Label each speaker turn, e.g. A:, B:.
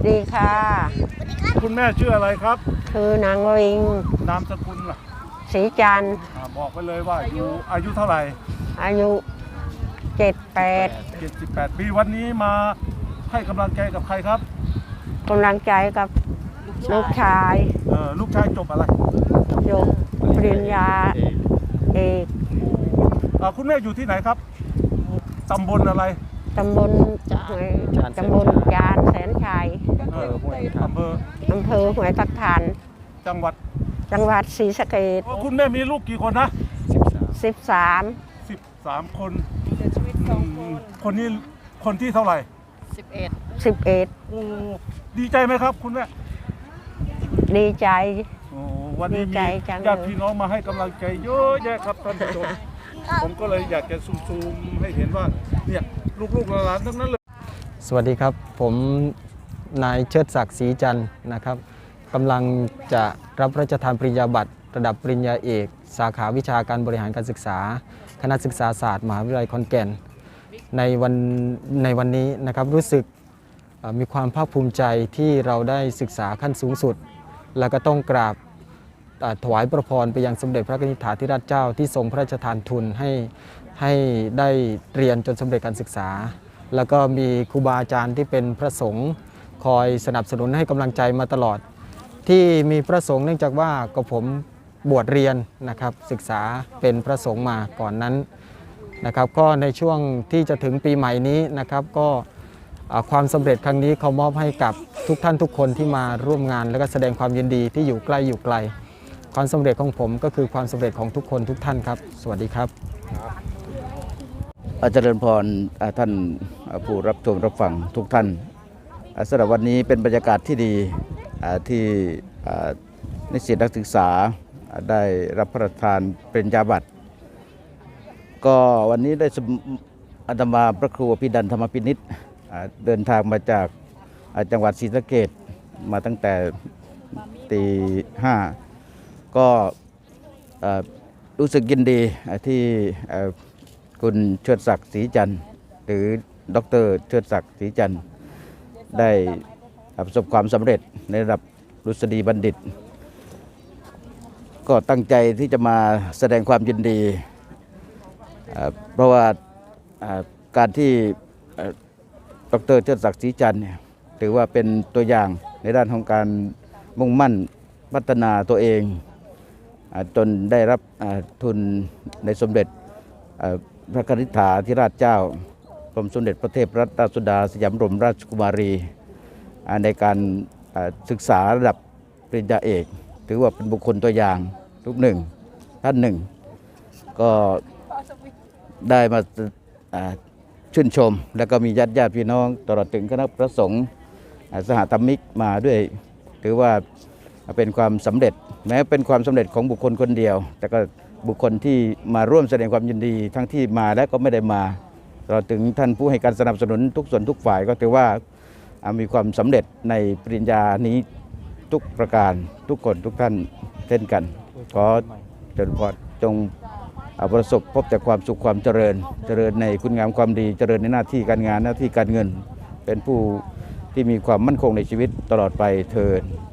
A: ดีค่ะ
B: คุณแม่ชื่ออะไรครับ
A: คือนางวิง
B: นามสกุลล่ะ
A: ศรีจันทร์
B: บอกไปเลยว่าอายุเท่าไหร่
A: อายุ78
B: ปีวันนี้มาให้กำลังใจกับใครครับ
A: กำลังใจกับลูกชาย
B: ลูกชายจบอะไร
A: จบปริญญาเอก
B: คุณแม่อยู่ที่ไหนครับตำบลอะไร
A: ตำบลจานแสนชัย
B: อำเภอห้
A: วยตะพาน
B: จังหวัด
A: ศรีสะเกษ
B: คุณแม่มีลูกกี่คนนะ13คนคนนี้คนที่เท่าไหร่
A: 11
B: โอ้ดีใจไหมครับคุณแม่
A: ดีใจ
B: วันนี้มีญาติพี่น้องมาให้กำลังใจเยอะแยะครับท่านผู้ชมผมก็เลยอยากจะซูมให้เห็นว่าเนี่ยลูกๆหลานๆทั้งนั้นเลย
C: สวัสดีครับผมนายเชิดศักดิ์ศรีจันทร์นะครับกำลังจะรับพระราชทานปริญญาบัตรระดับปริญญาเอกสาขาวิชาการบริหารการศึกษาคณะศึกษาศาสตร์มหาวิทยาลัยขอนแก่นในวันนี้นะครับรู้สึกมีความภาคภูมิใจที่เราได้ศึกษาขั้นสูงสุดแล้วก็ต้องกราบถวายพระพรไปยังสมเด็จพระนิธิธิราชเจ้าที่ทรงพระราชทานทุนให้ได้เรียนจนสำเร็จการศึกษาแล้วก็มีครูบาอาจารย์ที่เป็นพระสงฆ์คอยสนับสนุนให้กำลังใจมาตลอดที่มีพระสงฆ์เนื่องจากว่าก็ผมบวชเรียนนะครับศึกษาเป็นพระสงฆ์มาก่อนนั้นนะครับก็ในช่วงที่จะถึงปีใหม่นี้นะครับก็ความสำเร็จครั้งนี้เขามอบให้กับทุกท่านทุกคนที่มาร่วมงานและก็แสดงความยินดีที่อยู่ใกล้อยู่ไกลความสำเร็จของผมก็คือความสำเร็จของทุกคนทุกท่านครับสวัสดีครับ
D: เจริญพรท่านผู้รับชมรับฟังทุกท่านสำหรับวันนี้เป็นบรรยากาศที่ดีที่นิสิตนักศึกษาได้รับพระราชทานปริญญาบัตรก็วันนี้ได้อาตมาพระครูอภิดันธรรมพินิจเดินทางมาจากจังหวัดศรีสะเกษมาตั้งแต่ตี 5ก็รู้สึกยินดีที่คุณเชิดศักดิ์ศรีจันทร์หรือดร.เชิดศักดิ์ศรีจันทร์ได้ประสบความสำเร็จในระดับรุษฎีบัณฑิตก็ตั้งใจที่จะมาแสดงความยินดีเพราะว่าการที่ดร.เชิดศักดิ์ศรีจันทร์ถือว่าเป็นตัวอย่างในด้านของการมุ่งมั่นพัฒนาตัวเองจนได้รับทุนในสมเด็จพระนิธิราชเจ้ากรมสมเด็จพระเทพรัตนราชสุดาสยามบรมราชกุมารีในการศึกษาระดับปริญญาเอกถือว่าเป็นบุคคลตัวอย่างทุกหนึ่งท่านหนึ่งก็ได้มาชื่นชมแล้วก็มีญาติพี่น้องตลอดถึงคณะพระสงฆ์สหธรรมิกมาด้วยถือว่าเป็นความสำเร็จแม้เป็นความสำเร็จของบุคคลคนเดียวแต่ก็บุคคลที่มาร่วมแสดงความยินดีทั้งที่มาและก็ไม่ได้มาตลอดถึงท่านผู้ให้การสนับสนุนทุกส่วนทุกฝ่ายก็ถือว่ามีความสำเร็จในปริญญานี้ทุกประการทุกคนทุกท่านเช่นกันขอเจริญพรจงประสบพบแต่ความสุขความเจริญในคุณงามความดีเจริญในหน้าที่การงานหน้าที่การเงินเป็นผู้ที่มีความมั่นคงในชีวิตตลอดไปเถิด